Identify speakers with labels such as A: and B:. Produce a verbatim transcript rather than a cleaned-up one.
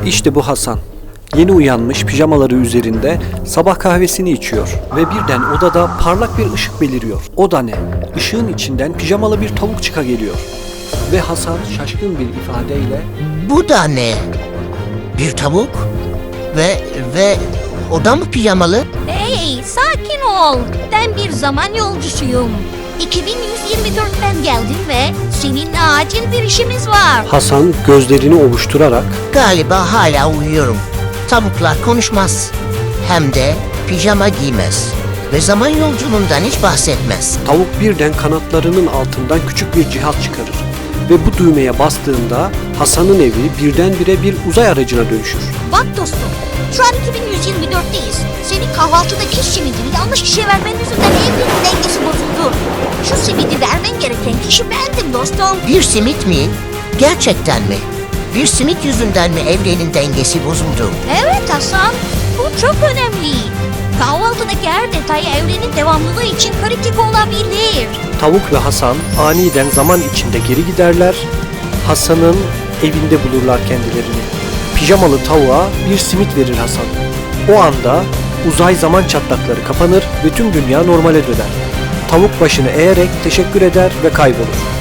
A: İşte bu Hasan. Yeni uyanmış, pijamaları üzerinde sabah kahvesini içiyor ve birden odada parlak bir ışık beliriyor. O da ne? Işığın içinden pijamalı bir tavuk çıka geliyor. Ve Hasan şaşkın bir ifadeyle
B: Bu da ne? Bir tavuk? Ve ve o da mı pijamalı?
C: Hey, sakin ol. Ben bir zaman yolcusuyum. iki bin yüz yirmi dörtten geldim ve seninle acil bir işimiz var.
A: Hasan gözlerini ovuşturarak
B: Galiba hala uyuyorum. Tavuklar konuşmaz. Hem de pijama giymez. Ve zaman yolculuğundan hiç bahsetmez.
A: tavuk birden kanatlarının altından küçük bir cihaz çıkarır. Ve bu düğmeye bastığında Hasan'ın evi birdenbire bir uzay aracına dönüşür.
C: Bak dostum, şu an iki bin yüz yirmi dörtteyiz. Senin kahvaltıdaki simidini yanlış kişiye vermen yüzünden evrenin dengesi bozuldu. Şu simidi vermen gereken kişi bendim dostum.
B: Bir simit mi? Gerçekten mi? Bir simit yüzünden mi evrenin dengesi bozuldu?
C: Evet Hasan, bu çok önemli. Kahvaltıdaki her detay evrenin devamlılığı için kritik olabilir.
A: Tavuk ve Hasan aniden zaman içinde geri giderler. Hasan'ın evinde bulurlar kendilerini. Pijamalı tavuğa bir simit verir Hasan. O anda uzay zaman çatlakları kapanır ve tüm dünya normale döner. Tavuk başını eğerek teşekkür eder ve kaybolur.